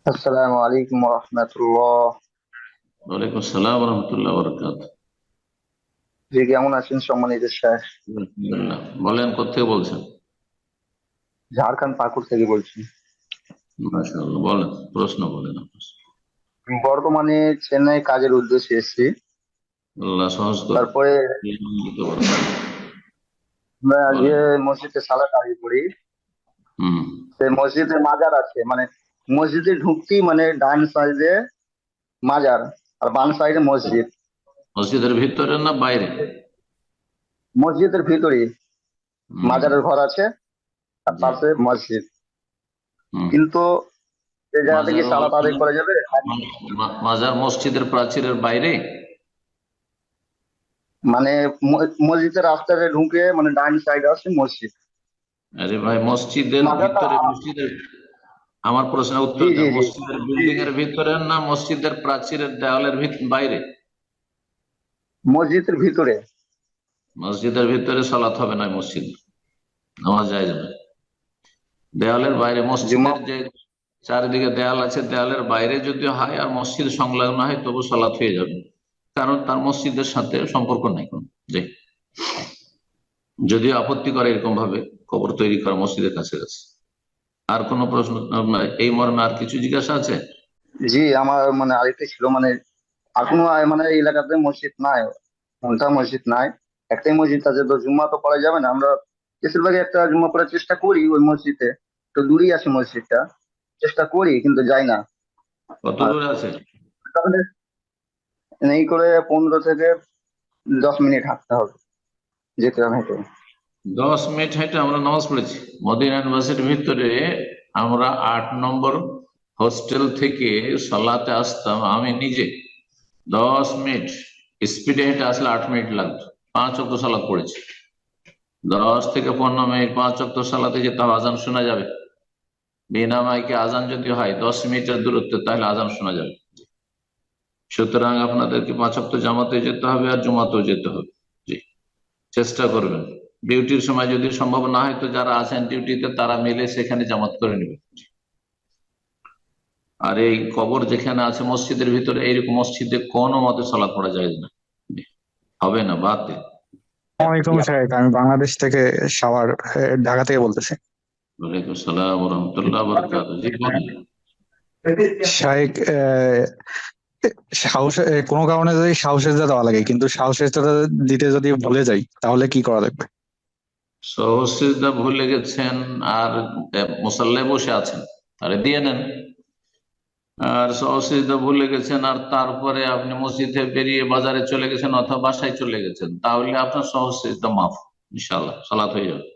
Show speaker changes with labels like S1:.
S1: আসসালামু আলাইকুম রহমতুল্লাহ।
S2: ওয়ালাইকুম আসসালাম রহমতুল্লাহ বরকাত।
S1: জি, কেমন আছেন সম্মানিত শেখ?
S2: আলহামদুলিল্লাহ। বলেন, কোথেকে বলছেন?
S1: ঝাড়খণ্ড পাকুড় থেকে বলছি।
S2: মাশাআল্লাহ, বলেন, প্রশ্ন বলেন আপনার।
S1: বর্তমানে চেন্নাই কাজের উদ্দেশ্যে এসেছি।
S2: আল্লাহ সহজ করুন।
S1: তারপরে আমরা যে
S2: বলেন।
S1: মসজিদে সালাত আদায় করি,
S2: হুম।
S1: সেই মসজিদে মাজার আছে, মানে মসজিদে ঢুকতেই মানে ডান সাইডে মাজার আর বাম সাইডে মসজিদ।
S2: মসজিদের ভিতরে না বাইরে?
S1: মসজিদের ভিতরে
S2: হুম।
S1: মাজারের ঘর আছে আর
S2: জি।
S1: পাশে মসজিদ।
S2: হুম।
S1: কিন্তু সেই জায়গাতে কি
S2: মাজার
S1: সালাত আদায় করা যাবে?
S2: মাজার মসজিদের প্রাচীরের বাইরে?
S1: মানে মসজিদের রাস্তাতে ঢুকে মানে ডান সাইডে আছে মসজিদ।
S2: আরে ভাই, মসজিদের
S1: মাজারটা
S2: ভিতরে, মসজিদের, আমার প্রশ্নের উত্তর
S1: জি জি
S2: দেন।
S1: জি
S2: মসজিদের
S1: জি
S2: বিল্ডিং
S1: জি
S2: এর ভিতরে না মসজিদের প্রাচীরের দেওয়ালের বাইরে?
S1: মসজিদের ভিতরে।
S2: মসজিদের ভিতরে সালাত হবে না, মসজিদ নামাজ যায় না। দেওয়ালের বাইরে,
S1: জুমা।
S2: মসজিদের যে চারিদিকে দেয়াল আছে, দেয়ালের বাইরে যদি হয় আর মসজিদ সংলগ্ন হয় তবু সালাত হয়ে যাবে, কারণ তার মসজিদের সাথে সম্পর্ক নাই কোন। জি। যদিও আপত্তি করে এরকম ভাবে কবর তৈরি করা মসজিদের কাছে কাছে। আর কোনো প্রশ্ন আপনার এই মর্মে আর কিছু জিজ্ঞাসা আছে?
S1: জি, আমার মানে আরেকটা ছিল, মানে এখনো মানে এই এলাকাতে মসজিদ নাই, কোনটা মসজিদ নাই। একটাই মসজিদ আছে, তো জুম্মা তো পড়া যাবে না। আমরা বেশিরভাগ একটা জুম্মা পড়ার চেষ্টা করি ওই মসজিদে, তো দূরেই আছে মসজিদটা, চেষ্টা করি কিন্তু যাই না।
S2: কত
S1: আর
S2: দূরে আছে?
S1: তাহলে এই করে 15 থেকে 10 মিনিট হাঁটতে হবে, যেতে হবে হেঁটে।
S2: 10 মিনিট হেঁটে আমরা নামাজ পড়েছি মদিনা ইউনিভার্সিটির ভিতরে। আমরা 8 নম্বর হোস্টেল থেকে সালাতে আসতাম আমি নিজে। 10 মিনিট স্পিডে হেঁটে আসলে 8 মিনিট লাগতো। 5 ওয়াক্ত সালাত পড়েছি। 10 থেকে 15 মিনিট 5 ওয়াক্ত সালাতে যেতে হবে, আজান শোনা যাবে। বিনা মাইকে আজান যদি হয় 10 মিনিটের দূরত্বে, তাহলে আজান শোনা যাবে। সুতরাং আপনাদেরকে 5 ওয়াক্ত জামাতে যেতে হবে আর জুমাতেও যেতে হবে। জি, চেষ্টা করবেন। ডিউটির সময় যদি সম্ভব না হয় তো যারা আছেন ডিউটিতে তারা মিলে সেখানে জামাত করে নেবেন। আর এই কবর যেখানে আছে মসজিদের ভিতরে, এইরকম মসজিদে কোনো মতে সালাত পড়া যায় না। জি, হবে না, বাদ দিন।
S3: ওয়ালাইকুম সাহেব, আমি বাংলাদেশ থেকে সাভার ঢাকা থেকে বলতেছি।
S2: ওয়ালাইকুম সালাম রহমতুল্লাহ বরকাত। জি, বলেন।
S3: শাহেক, সাহস কোনো কারণে যদি সাহসের দেওয়া লাগে, কিন্তু সাহসের দিতে যদি ভুলে যাই, তাহলে কি করা লাগবে?
S2: সহসিদ্ধা ভুলে গেছেন আর মুসাল্লায় বসে আছেন, তাহলে দিয়ে নেন। আর সহসিদ্ধা ভুলে গেছেন আর তারপরে আপনি মসজিদে বেরিয়ে বাজারে চলে গেছেন অথবা বাসায় চলে গেছেন, তাহলে আপনার সহসিদ্ধা মাফ, ইনশাআল্লাহ সালাত হয়ে যাবে।